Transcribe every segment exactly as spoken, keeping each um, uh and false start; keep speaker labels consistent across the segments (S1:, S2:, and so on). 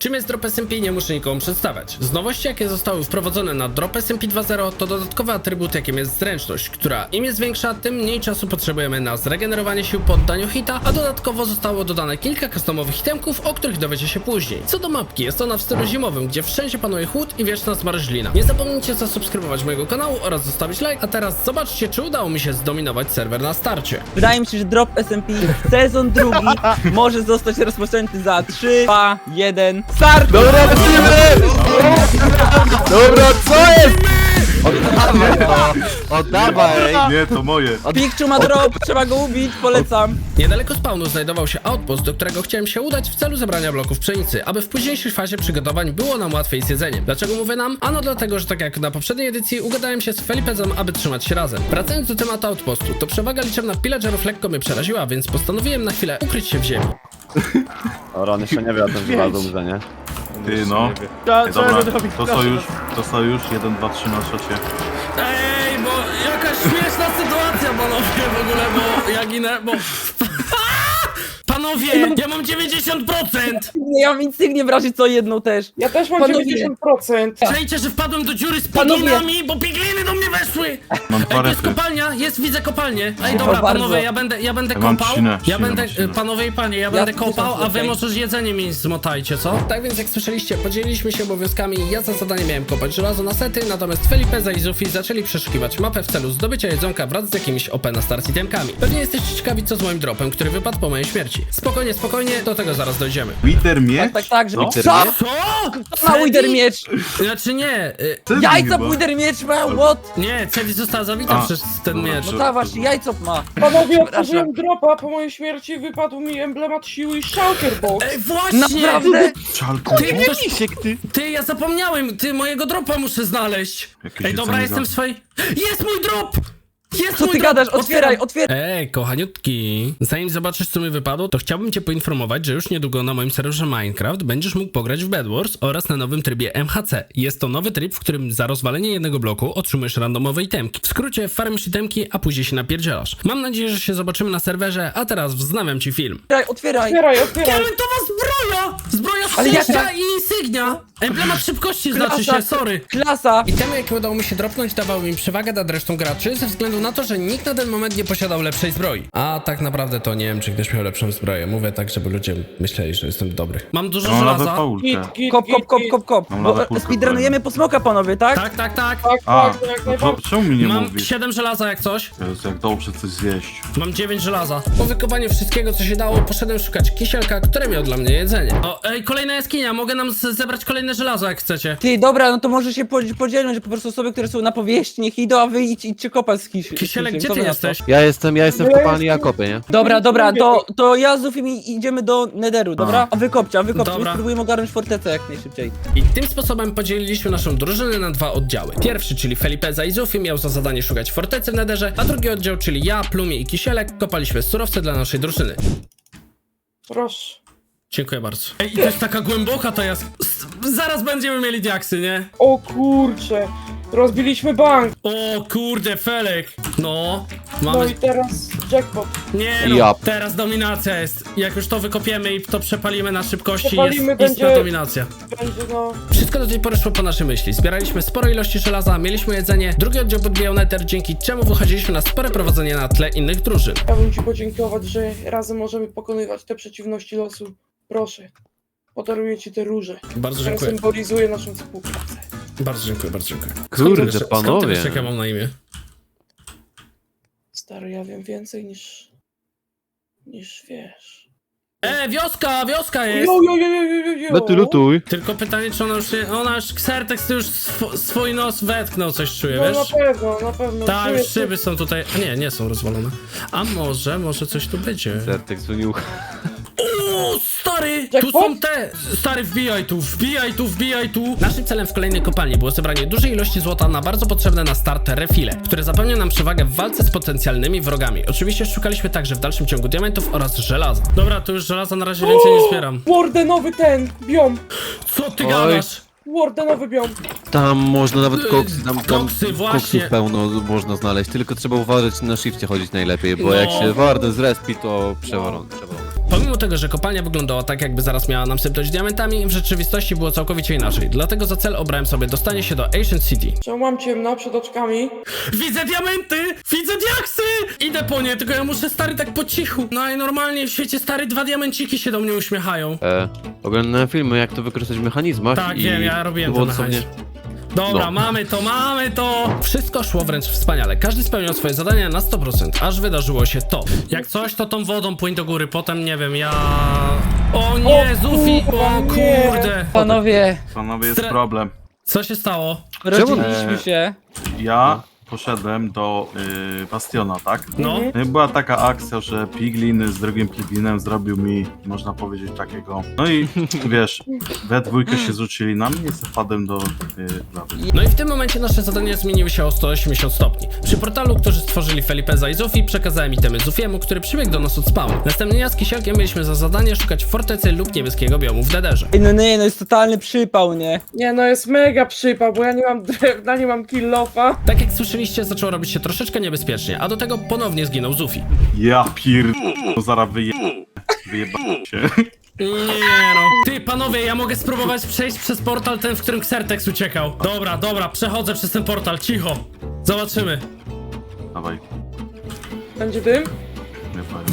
S1: Czym jest Drop S M P nie muszę nikomu przedstawiać. Z nowości jakie zostały wprowadzone na Drop S M P dwa zero to dodatkowy atrybut jakim jest zręczność, która im jest większa, tym mniej czasu potrzebujemy na zregenerowanie sił po oddaniu hita, a dodatkowo zostało dodane kilka customowych itemków, o których dowiecie się później. Co do mapki, jest ona w stylu zimowym, gdzie wszędzie panuje chłód i wieczna zmarzlina. Nie zapomnijcie zasubskrybować mojego kanału oraz zostawić like, a teraz zobaczcie, czy udało mi się zdominować serwer na starcie.
S2: Wydaje mi się, że Drop S M P sezon drugi może zostać rozpoczęty za trzy, dwa, jeden, start!
S3: Dobra, lecimy! Dobra, co jest? Oddawaj to! Oddawaj!
S4: Nie, to moje.
S2: Pikczu ma drop, trzeba go ubić, polecam.
S1: Niedaleko spawnu znajdował się outpost, do którego chciałem się udać w celu zebrania bloków pszenicy, aby w późniejszej fazie przygotowań było nam łatwiej z jedzeniem. Dlaczego mówię nam? Ano dlatego, że tak jak na poprzedniej edycji ugadałem się z Felipezem, aby trzymać się razem. Wracając do tematu outpostu, to przewaga liczebna pillagerów lekko mnie przeraziła, więc postanowiłem na chwilę ukryć się w ziemi.
S3: O, Ron jeszcze nie wie o tym, że bardzo dobrze, nie?
S4: Ty no. Ej, dobra, to sojusz, to sojusz, jeden, dwa, trzy na szocie.
S1: Ej, bo jakaś śmieszna sytuacja, panowie, w ogóle, bo ja ginę, bo... Panowie, ja mam dziewięćdziesiąt procent!
S2: Ja mam insygnię w razie co jedną też.
S5: Ja też mam
S2: Panowie.
S5: dziewięćdziesiąt procent.
S1: Czajcie, że wpadłem do dziury z
S2: Panowie.
S1: piglinami, bo pigliny do mnie weszły!
S4: Mam
S1: Ej,
S4: dwa
S1: to jest
S4: refy.
S1: kopalnia, jest, widzę kopalnię. Ej,
S2: Proszę
S1: dobra,
S2: bardzo.
S1: panowie, ja będę, ja będę
S4: Ja mam
S1: kopał.
S4: trzcinę,
S1: Ja
S4: trzcinę,
S1: będę,
S4: mam trzcinę.
S1: panowie i panie, ja będę
S2: tysiąc
S1: kopał, a wy
S2: okej.
S1: może jedzenie mi zmotajcie, co? Tak więc jak słyszeliście, podzieliliśmy się obowiązkami. Ja za zadanie miałem kopać żelazo na sety, natomiast Felipeza i Zufi zaczęli przeszukiwać mapę w celu zdobycia jedzonka wraz z jakimiś O P na start itemkami. Pewnie jesteście ciekawi, co z moim dropem, który wypadł po mojej śmierci. Spokojnie, spokojnie, do tego zaraz dojdziemy.
S4: Wither miecz?
S2: Tak, tak, tak, że...
S4: No.
S2: Co?
S1: Co?
S2: Ma Wither miecz!
S1: Znaczy nie, y,
S4: Cedi
S2: Jajca
S4: chyba.
S2: Wither miecz ma, what?
S1: nie, Cedi została zabita
S4: A,
S1: przez ten
S4: dobra,
S1: miecz.
S2: No ta właśnie, jajco ma.
S5: Panowie, otworzyłem dropa, po mojej śmierci wypadł mi emblemat siły i shulker box.
S1: Ej, właśnie!
S2: Naprawdę?
S4: Czalku.
S1: Ty, ktoś... ty, ja zapomniałem, ty, mojego dropa muszę znaleźć.
S4: Jakieś
S1: Ej, dobra,
S4: jedzenie
S1: jestem w
S4: za-
S1: swojej... Jest mój drop! Jest
S2: Co
S1: mój
S2: ty
S1: drop!
S2: gadasz? Otwieraj, otwieraj!
S1: Ej, kochaniutki, zanim zobaczysz co mi wypadło, to chciałbym cię poinformować, że już niedługo na moim serwerze Minecraft będziesz mógł pograć w Bed Wars oraz na nowym trybie M H C. Jest to nowy tryb, w którym za rozwalenie jednego bloku otrzymujesz randomowe itemki. W skrócie farmisz itemki, a później się napierdzielasz. Mam nadzieję, że się zobaczymy na serwerze, a teraz wznawiam ci film.
S2: Otwieraj, otwieraj!
S5: Otwieraj, otwieraj.
S1: Diamentowa zbroja! Zbroja
S2: Ale
S1: szczęścia
S2: jaka-
S1: i insygnia! Emblemat szybkości znaczy się, sorry.
S2: Klasa!
S1: Itemy, jakie udało mi się dropnąć, dawały mi przewagę nad resztą graczy, ze względu na to, że nikt na ten moment nie posiadał lepszej zbroi. A tak naprawdę to nie wiem, czy ktoś miał lepszą zbroję. Mówię tak, żeby ludzie myśleli, że jestem dobry. Mam dużo
S4: Ja mam lawę
S1: żelaza.
S4: paulkę.
S5: Git, git,
S2: Kop, kop,
S5: git,
S2: kop,
S5: git.
S2: kop, kop.
S4: Mam
S2: Bo
S4: lawę kulkę
S2: speedrunujemy po smoka, panowie, tak?
S1: Tak, tak, tak.
S5: Tak,
S4: A,
S5: tak, jak
S4: no to
S5: najbardziej.
S4: czemu mi nie
S1: Mam
S4: mówisz?
S1: siedem żelaza jak coś.
S4: Jezu, jak dobrze coś zjeść.
S1: Mam dziewięć żelaza. Po wykopaniu wszystkiego, co się dało, poszedłem szukać kisielka, który miał dla mnie jedzenie. O, ej, kolejna jaskinia. Mogę nam z- zebrać kolejne żelazo, jak chcecie.
S2: Ty, dobra, no to może się podzi- podzielmy, że po prostu osoby, które są na powierzchni, niech idą, a wy idź, idźcie kopać z kis
S1: Kisielek,
S2: kisiem.
S1: gdzie
S2: Co
S1: ty
S2: wy na to?
S1: jesteś?
S3: Ja jestem, ja jestem w
S5: Ja
S3: kopalni
S5: jestem-
S3: Jakopy, nie?
S2: Dobra, dobra, to, to ja z Zufim i- idziemy do Netheru, dobra? A wy kopcie, a wy kopcie, my
S1: Dobra.
S2: spróbujemy ogarnąć fortecę jak najszybciej.
S1: I tym sposobem podzieliliśmy naszą drużynę na dwa oddziały. Pierwszy, czyli Felipeza i Zufi, miał za zadanie szukać fortecy w Netherze, a drugi oddział, czyli ja, Plumie i Kisielek, kopaliśmy surowce dla naszej drużyny.
S5: Proszę.
S1: Dziękuję bardzo. Ej, i to jest taka głęboka ta jask... S- Zaraz będziemy mieli diaksy, nie?
S5: O kurcze. Rozbiliśmy bank.
S1: O kurde, Felek. No,
S5: No
S1: mamy...
S5: i teraz jackpot.
S1: Nie no,
S3: Ja.
S1: teraz dominacja jest. Jak już to wykopiemy i to przepalimy na szybkości,
S5: Przepalimy,
S1: jest istna
S5: będzie-
S1: dominacja.
S5: Będzie no...
S1: Wszystko do tej pory szło po naszej myśli. Zbieraliśmy spore ilości żelaza, mieliśmy jedzenie, drugi oddział podbijał Nether, dzięki czemu wychodziliśmy na spore prowadzenie na tle innych drużyn.
S5: Chciałbym ci podziękować, że razem możemy pokonywać te przeciwności losu. Proszę. Podaruję ci te róże.
S1: Bardzo
S5: które
S1: dziękuję.
S5: symbolizuje naszą współpracę.
S1: Bardzo dziękuję, bardzo dziękuję. Skąd ty
S3: Kurde,
S1: wiesz- Skąd ty
S3: panowie.
S1: wiesz, jak ja mam na imię?
S5: Stary, ja wiem więcej niż... niż wiesz.
S1: E, wioska, wioska jest!
S5: Jo, jo, jo, jo, jo, jo.
S3: No ty lutuj.
S1: Tylko pytanie, czy ona już nie... Ona już, Xertex ty już sw swój nos wetknął, coś czuje,
S5: No na
S1: wiesz?
S5: pewno, na pewno.
S1: Tak,
S5: Czuję
S1: już szyby są tutaj... A nie, nie są rozwalone. A może, może coś tu będzie.
S3: Sertek dzwonił.
S1: O, stary! Tu
S5: Jackpot?
S1: są te! Stary, wbijaj tu, wbijaj tu, wbijaj tu! Naszym celem w kolejnej kopalni było zebranie dużej ilości złota na bardzo potrzebne na start refile, które zapewnią nam przewagę w walce z potencjalnymi wrogami. Oczywiście szukaliśmy także w dalszym ciągu diamentów oraz żelaza. Dobra, tu już żelaza na razie więcej nie zbieram.
S5: Wardenowy ten, biom.
S1: Co ty
S3: Oj.
S1: gadasz?
S5: Wardenowy biom.
S3: Tam można nawet
S1: Yy,
S3: koksy, tam, tam
S1: koksy, właśnie.
S3: koksów pełno można znaleźć, tylko trzeba uważać na shifcie chodzić najlepiej, bo
S1: No.
S3: jak się Warden zrespi, to przewalony, przewalony.
S1: Pomimo tego, że kopalnia wyglądała tak, jakby zaraz miała nam sypnąć diamentami, w rzeczywistości było całkowicie inaczej. Dlatego za cel obrałem sobie dostanie się do Ancient City.
S5: Czemu mam ciemno przed oczkami?
S1: Widzę diamenty! Widzę diaksy! Idę po nie, tylko ja muszę, stary, tak po cichu. Najnormalniej w świecie, stary, dwa diamenciki się do mnie uśmiechają.
S6: E, oglądałem filmy, jak to wykorzystać w mechanizmach
S1: Tak,
S6: i
S1: wiem, ja robiłem
S6: to było
S1: to
S6: dosłownie...
S1: mechanizm. Dobra,
S6: No.
S1: mamy to, mamy to! Wszystko szło wręcz wspaniale. Każdy spełniał swoje zadania na sto procent, aż wydarzyło się to. Jak coś, to tą wodą płyń do góry, potem nie wiem, ja... O nie,
S5: O
S1: Zufi! O
S5: kurwa, nie.
S1: kurde!
S2: Panowie,
S4: Panowie, jest
S1: Stre-
S4: problem.
S1: Co się stało?
S2: rodziliśmy się.
S4: Ja poszedłem do y, Bastiona, tak?
S1: No,
S4: No i była taka akcja, że Piglin z drugim Piglinem zrobił mi, można powiedzieć, takiego. No i wiesz, we dwójkę się zrzucili na mnie i zapadłem do y, lawy.
S1: no i w tym momencie nasze zadania zmieniły się o sto osiemdziesiąt stopni. Przy portalu, którzy stworzyli Felipeza i Zufi, przekazałem itemy Zufiemu, który przybiegł do nas od spawnu. Następnie ja z Kisielkiem mieliśmy za zadanie szukać fortecy lub niebieskiego biomu w Nederze.
S2: Ej, no nie, no jest totalny przypał, nie?
S5: Nie no, jest mega przypał, bo ja nie mam drewna, nie mam kill-offa.
S1: Tak jak słyszeliście, zaczęło robić się troszeczkę niebezpiecznie, a do tego ponownie zginął Zufi.
S4: Ja pier... No zaraz wyje... wyjebałem się.
S1: Nie no. Ty, panowie, ja mogę spróbować przejść przez portal ten, w którym Xertex uciekał. Dobra, dobra, przechodzę przez ten portal, cicho. Zobaczymy.
S4: Dawaj,
S5: Będzie dym?
S4: nie powiem.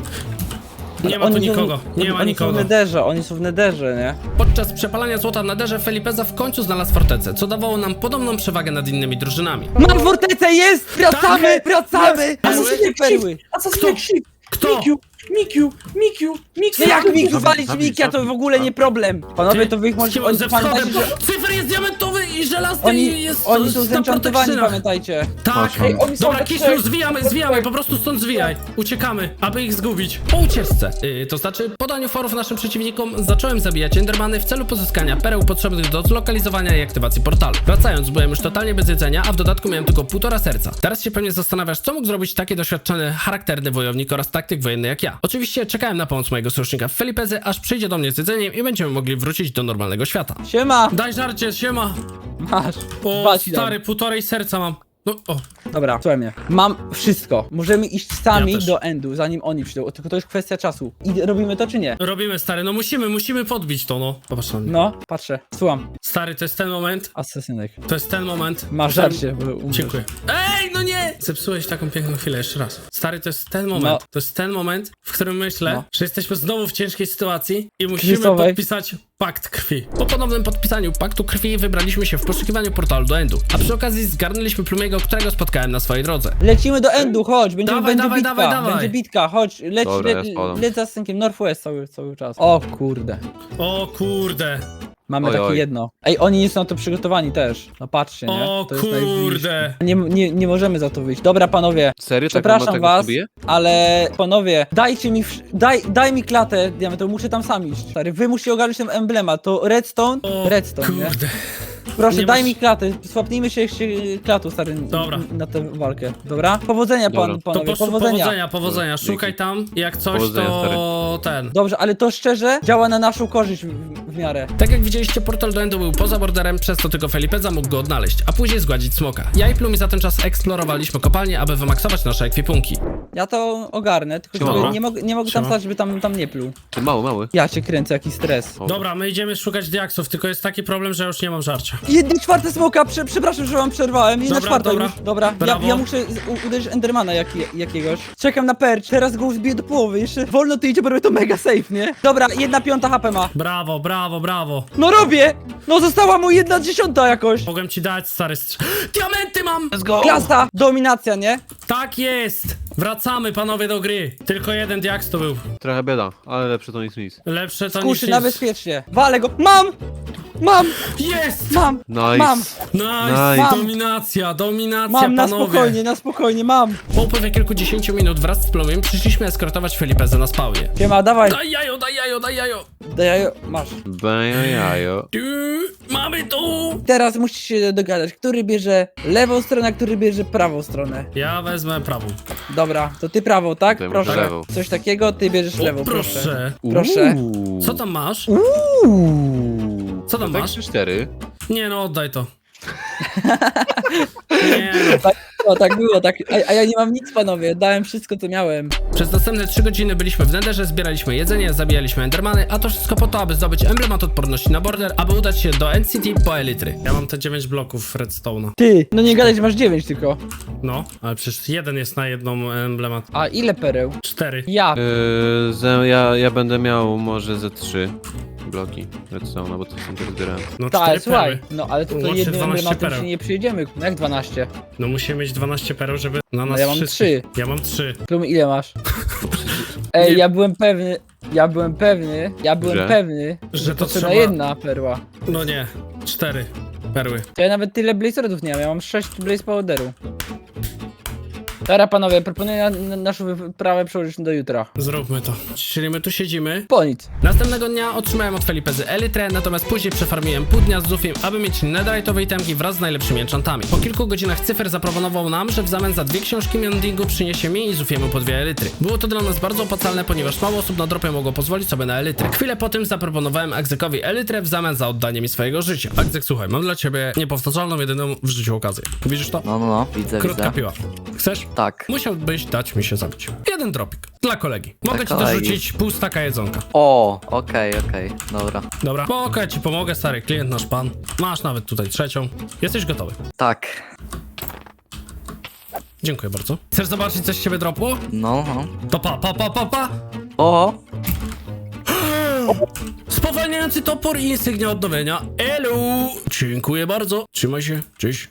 S1: Nie ma tu
S2: Oni są-
S1: nikogo, nie ma
S2: Oni są w
S1: nikogo.
S2: nederze, oni są w nederze, nie?
S1: Podczas przepalania złota w Nederze Felipeza w końcu znalazł fortecę, co dawało nam podobną przewagę nad innymi drużynami.
S2: Mam fortecę, jest! Wracamy, wracamy!
S5: A
S2: A
S5: co
S2: co
S5: się
S2: się perły?
S5: A co
S1: Kto?
S5: z shift?
S1: Kto?
S5: Mikiu, Mikiu, Mikiu, Mikiu.
S2: No jak mi
S4: Zabij,
S2: wywalić
S4: zabij,
S2: Mikia, to
S4: zabij.
S2: w ogóle nie problem. Panowie, to wy ich
S1: Z
S2: możecie...
S1: kim-
S2: Oni,
S1: ze wschodem.
S2: pamiętajcie, że
S1: Cyfer jest diamentowy i żelazny i
S2: oni,
S1: jest
S2: oni są
S1: na
S2: zenchantowani,
S1: protekcjonach.
S2: pamiętajcie.
S1: Tak.
S4: Patrz,
S5: Ej, oni są
S1: Dobra,
S5: we
S1: Kiszu,
S5: trzech.
S1: zwijamy,
S5: We
S1: zwijamy,
S5: trzech.
S1: po prostu stąd zwijaj. Uciekamy, aby ich zgubić. Po ucieczce, yy, to znaczy podaniu forów naszym przeciwnikom, zacząłem zabijać endermany w celu pozyskania pereł potrzebnych do zlokalizowania i aktywacji portalu. Wracając, byłem już totalnie bez jedzenia, a w dodatku miałem tylko półtora serca. Teraz się pewnie zastanawiasz, co mógł zrobić taki doświadczony, charakterny wojownik oraz taktyk wojenny jak ja. Oczywiście czekałem na pomoc mojego sojusznika Felipezy, aż przyjdzie do mnie z jedzeniem i będziemy mogli wrócić do normalnego świata.
S2: Siema!
S1: Daj żarcie, siema!
S2: Masz.
S1: O,
S2: Dwa ci dam.
S1: stary, półtorej serca mam. No, o.
S2: Dobra, słuchaj mnie. Mam wszystko. Możemy iść sami
S1: Ja też.
S2: do endu, zanim oni przyjdą. Tylko to jest kwestia czasu. I robimy to czy nie?
S1: Robimy, stary, no musimy, musimy podbić to, no. Popatrz na mnie.
S2: No, patrzę. Słucham.
S1: Stary, to jest ten moment,
S2: Asesynek.
S1: to jest ten moment.
S2: Masz
S1: że-
S2: żarcie, bo umrzesz.
S1: Dziękuję. Ej, no nie! Zepsułeś taką piękną chwilę, jeszcze raz. Stary, to jest ten moment,
S2: No.
S1: to jest ten moment, w którym myślę,
S2: No.
S1: że jesteśmy znowu w ciężkiej sytuacji i musimy
S2: Kryzysowej.
S1: podpisać pakt krwi. Po ponownym podpisaniu paktu krwi wybraliśmy się w poszukiwaniu portalu do Endu, a przy okazji zgarnęliśmy Plumiego, którego spotkałem na swojej drodze.
S2: Lecimy do endu, chodź, będzie,
S1: Dawaj,
S2: będzie
S1: dawaj,
S2: bitka,
S1: dawaj, dawaj.
S2: będzie bitka, chodź, leć,
S6: Dobra,
S2: le,
S6: ja spadam.
S2: leć za synkiem, Northwest cały, cały czas. O kurde,
S1: O kurde,
S2: mamy
S6: Oj,
S2: takie
S6: oj.
S2: jedno. Ej, oni nie są na to przygotowani też, no patrzcie, nie?
S1: o
S2: To jest najbliższe.
S1: kurde.
S2: Nie, nie, nie możemy za to wyjść. Dobra, panowie,
S6: Serio? Tak
S2: przepraszam
S6: tak
S2: was,
S6: bije?
S2: ale panowie, dajcie mi, wsz- daj, daj mi klatę diamentową, muszę tam sam iść. Stary, wy musicie ogarnąć ten emblemat, to redstone,
S1: O
S2: redstone, nie?
S1: kurde.
S2: Proszę,
S1: Nie
S2: daj
S1: masz-
S2: mi klatę, swapnijmy się jeszcze klatą, stary, n-
S1: Dobra.
S2: na tę walkę, dobra? Powodzenia, pan,
S6: Dobra.
S1: To
S2: panowie,
S1: poszło
S2: powodzenia.
S1: powodzenia, powodzenia.
S6: Dzięki.
S1: Szukaj tam, jak coś
S6: Powodzenia,
S1: to ten.
S2: Dobrze, ale to szczerze działa na naszą korzyść w, w miarę.
S1: Tak jak widzieliście, portal do Endu był poza borderem, przez to tylko Felipeza mógł go odnaleźć, a później zgładzić smoka. Ja i Plumi za ten czas eksplorowaliśmy kopalnię, aby wymaksować nasze ekwipunki.
S2: Ja to ogarnę, tylko
S6: Siema.
S2: żeby nie, mog nie mogę tam
S1: Siema.
S2: stać, żeby tam, tam nie pluł.
S6: Ty mały, mały.
S2: Ja cię kręcę, jaki stres.
S6: O.
S1: Dobra, my idziemy szukać diaksów, tylko jest taki problem, że już nie mam żarcia.
S2: Jedna czwarta smoka, prze, przepraszam, że wam przerwałem. Jedna
S1: Dobra,
S2: czwarta
S1: dobra.
S2: już. Dobra, ja,
S1: Brawo.
S2: ja muszę z- u, uderzyć Endermana jak, jakiegoś. Czekam na perch, teraz go zbiję do połowy. Jeszcze wolno ty idzie, bo robię to mega safe, nie? Dobra, jedna piąta H P ma.
S1: Brawo, brawo, brawo.
S2: No robię! No została mu jedna dziesiąta jakoś.
S1: Mogłem ci dać, stary strz... Diamenty mam!
S6: Let's go!
S2: Klasta! Dominacja, nie?
S1: Tak jest! Wracamy, panowie, do gry. Tylko jeden diaks to był.
S6: Trochę bieda, ale lepsze to nic nic.
S1: Lepsze to niż
S2: Kuszy
S1: nic.
S2: na bezpiecznie. Walę go. Mam! Mam!
S1: Jest!
S2: Mam!
S6: Nice.
S2: Mam!
S1: Nice!
S6: Nice.
S1: Dominacja, dominacja,
S2: Mam, na
S1: panowie.
S2: spokojnie, na spokojnie, mam.
S1: Po upływie kilkudziesięciu minut wraz z Plumiem przyszliśmy eskortować Felipezę na spawnie.
S2: Siema, dawaj.
S1: Daj jajo, daj jajo, daj jajo!
S2: Daj, masz.
S6: Bajajajo.
S1: Tu, mamy tu!
S2: Teraz musisz się dogadać, który bierze lewą stronę, a który bierze prawą stronę.
S1: Ja wezmę prawą.
S2: Dobra, to ty prawą, tak?
S6: To ja
S2: Proszę.
S6: muszę lewą.
S2: Coś takiego, ty bierzesz
S1: O,
S2: lewą, proszę.
S1: proszę.
S2: Proszę.
S6: Uuu.
S1: Co tam masz?
S2: Uuu.
S1: Co tam
S6: Tak
S1: masz?
S6: trzy cztery.
S1: Nie no, oddaj to. Nie no.
S2: Tak było, tak było, tak. A, a ja nie mam nic, panowie, dałem wszystko, co miałem.
S1: Przez następne trzy godziny byliśmy w Netherze, zbieraliśmy jedzenie, zabijaliśmy endermany, a to wszystko po to, aby zdobyć emblemat odporności na border, aby udać się do N C T po elitry. Ja mam te dziewięć bloków redstone'a.
S2: Ty, no nie gadaj, że masz dziewięć tylko.
S1: No, ale przecież jeden jest na jedną emblemat.
S2: A ile pereł?
S1: Cztery.
S2: Ja.
S6: Yy, ze, ja, ja będę miał może ze trzy bloki redstone, bo to są te zbierałem.
S1: No cztery
S2: Tak, słuchaj,
S1: perły.
S2: no ale to, to
S1: Łącznie
S2: jednym
S1: dwanaście
S2: emblematem
S1: pereł.
S2: się nie przyjedziemy. No jak dwanaście?
S1: No musimy mieć dwanaście pereł, żeby na nas
S2: No ja mam
S1: wszystkich.
S2: trzy.
S1: Ja mam trzy.
S2: Plum, ile masz? Ej,
S1: Nie.
S2: ja byłem pewny, ja byłem pewny, ja byłem
S6: Że?
S2: pewny,
S1: Że
S2: że
S1: to
S2: to trzeba
S1: trzeba-
S2: jedna perła.
S1: No nie, cztery perły.
S2: To ja nawet tyle blaze rodów nie mam, ja mam sześć blaze powderu. Dobra panowie, proponuję na, na naszą wyprawę przełożyć do jutra.
S1: Zróbmy to. Czyli my tu siedzimy.
S2: Po nic.
S1: Następnego dnia otrzymałem od Felipezy Elytrę, natomiast później przefarmiłem pół dnia z Zufiem, aby mieć netherite'owe itemki wraz z najlepszymi enchantami. Po kilku godzinach cyfer zaproponował nam, że w zamian za dwie książki Mendingu przyniesie mi i Zufiemu po dwie Elytry. Było to dla nas bardzo opłacalne, ponieważ mało osób na dropie mogło pozwolić sobie na Elytrę. Chwilę po tym zaproponowałem Agzekowi Elytrę w zamian za oddanie mi swojego życia. Agzek, słuchaj, mam dla ciebie niepowtarzalną, jedyną w życiu okazję. Widzisz to?
S7: No, no, no, widzę,
S1: Krótka
S7: widzę.
S1: piła. Chcesz?
S7: Tak.
S1: Musiałbyś dać mi się zabić. Jeden dropik. Dla kolegi. Mogę
S7: Dla
S1: ci
S7: kolegi.
S1: dorzucić pół staka jedzonka.
S7: O, okej, okej, dobra.
S1: Dobra, spoko, ja ci pomogę, stary klient, nasz pan. Masz nawet tutaj trzecią. Jesteś gotowy.
S7: Tak.
S1: Dziękuję bardzo. Chcesz zobaczyć, coś z ciebie dropło?
S7: No, no.
S1: To pa, pa, pa, pa, pa!
S7: O,
S1: Spowalniający topór i insygnia odnowienia. Elu! Dziękuję bardzo. Trzymaj się. Cześć.